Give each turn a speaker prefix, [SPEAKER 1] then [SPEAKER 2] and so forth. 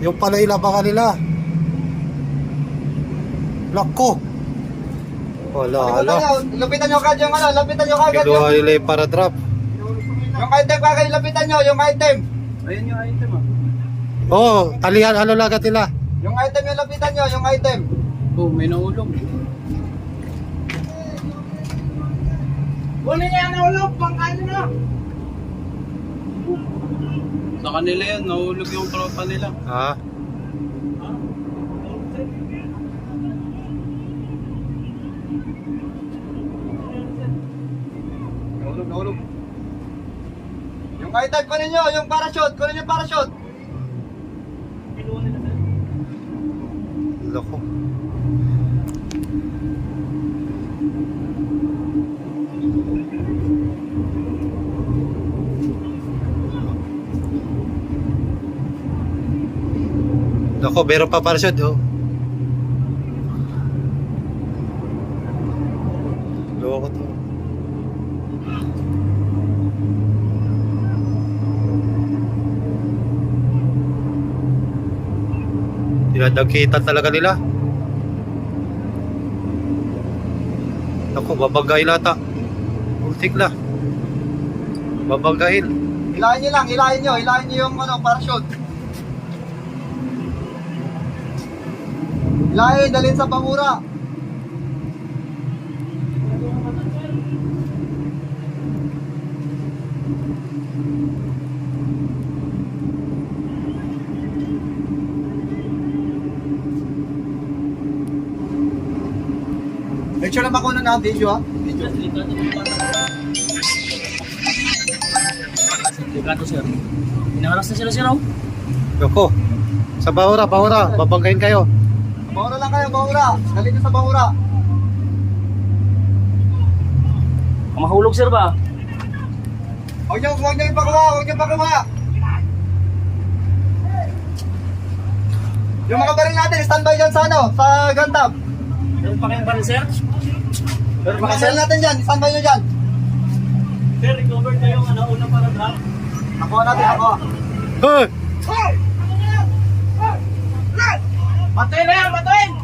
[SPEAKER 1] Yung pala ilabangan nila. Lako. Wala, ala.
[SPEAKER 2] Lapitan nyo kagad yung ano, lapitan nyo kagad yung...
[SPEAKER 1] Kinuha nila yung para drop.
[SPEAKER 2] Yung item kagad, lapitan nyo, yung item.
[SPEAKER 3] Ayun yung item ah.
[SPEAKER 1] Oo, oh, talihan, ano lagat nila?
[SPEAKER 2] Yung item yung lapitan nyo, yung item.
[SPEAKER 3] Oh, may naulog.
[SPEAKER 2] Huli niya naulog, pangkain na.
[SPEAKER 3] Sa kanila yan, naulog yung tropa nila.
[SPEAKER 1] Ha?
[SPEAKER 2] Naulog. Yung item, kunin nyo, yung parachute, kunin yung parachute.
[SPEAKER 1] Lako. Lako, meron pa parachute, oh. Loko to. Dinadagkitan talaga nila. Naku, babagay lata. Ultik na. Babagayin.
[SPEAKER 2] Hilahin nyo lang, hilahin nyo yung ano, parachute. Hilahin, dalhin sa pangura. Make sure na makuha na video ha. Video.
[SPEAKER 3] Delikado sir. Inaharas na sila sir oh.
[SPEAKER 1] Naku. Sa bahura, babagayin kayo.
[SPEAKER 2] Bangura lang kayo, bangura. Dalhin nyo sa bangura.
[SPEAKER 3] Mahulog sir ba?
[SPEAKER 2] Huwag nyo ipakuha. Yung mga baril natin, standby dyan sa ano, sa gun tab.
[SPEAKER 3] Meron pa kayong baril sir?
[SPEAKER 2] Yung mga baril natin dyan, standby nyo dyan.
[SPEAKER 3] Sir, recover kayong ano, una para drop.
[SPEAKER 2] Nakuha natin, nakuha.
[SPEAKER 1] Hey!
[SPEAKER 2] Batuin na yan, batuin!